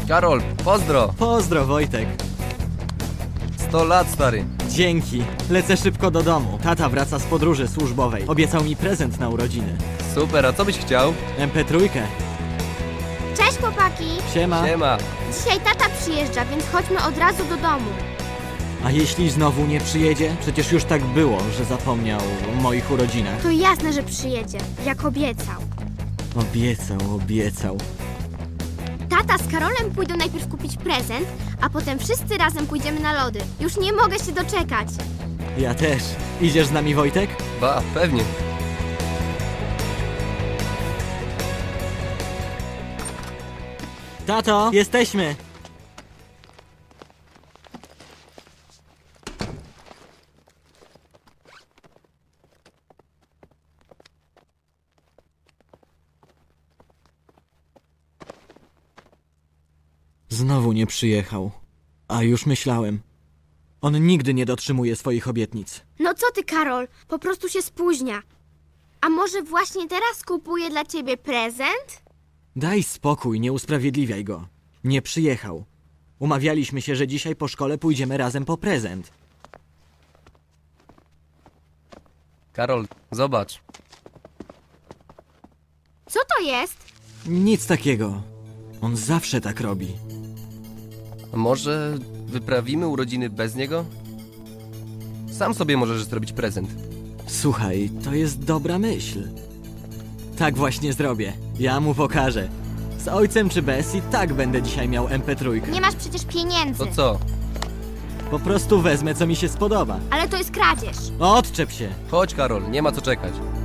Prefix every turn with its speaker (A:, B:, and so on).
A: Karol, pozdro!
B: Pozdro, Wojtek.
A: 100 lat, stary.
B: Dzięki. Lecę szybko do domu. Tata wraca z podróży służbowej. Obiecał mi prezent na urodziny.
A: Super, a co byś chciał?
B: MP3.
C: Cześć chłopaki!
B: Siema.
A: Siema.
C: Dzisiaj tata przyjeżdża, więc chodźmy od razu do domu.
B: A jeśli znowu nie przyjedzie? Przecież już tak było, że zapomniał o moich urodzinach.
C: To jasne, że przyjedzie, jak obiecał.
B: Obiecał.
C: Tata z Karolem pójdą najpierw kupić prezent, a potem wszyscy razem pójdziemy na lody. Już nie mogę się doczekać.
B: Ja też. Idziesz z nami, Wojtek?
A: Ba, pewnie.
B: Tato, jesteśmy! Znowu nie przyjechał. A już myślałem. On nigdy nie dotrzymuje swoich obietnic.
C: No co ty, Karol? Po prostu się spóźnia. A może właśnie teraz kupuję dla ciebie prezent?
B: Daj spokój, nie usprawiedliwiaj go. Nie przyjechał. Umawialiśmy się, że dzisiaj po szkole pójdziemy razem po prezent.
A: Karol, zobacz.
C: Co to jest?
B: Nic takiego. On zawsze tak robi.
A: A może wyprawimy urodziny bez niego? Sam sobie możesz zrobić prezent.
B: Słuchaj, to jest dobra myśl. Tak właśnie zrobię. Ja mu pokażę. Z ojcem czy bez i tak będę dzisiaj miał MP3.
C: Nie masz przecież pieniędzy.
A: To co?
B: Po prostu wezmę, co mi się spodoba.
C: Ale to jest kradzież.
B: Odczep się.
A: Chodź, Karol, nie ma co czekać.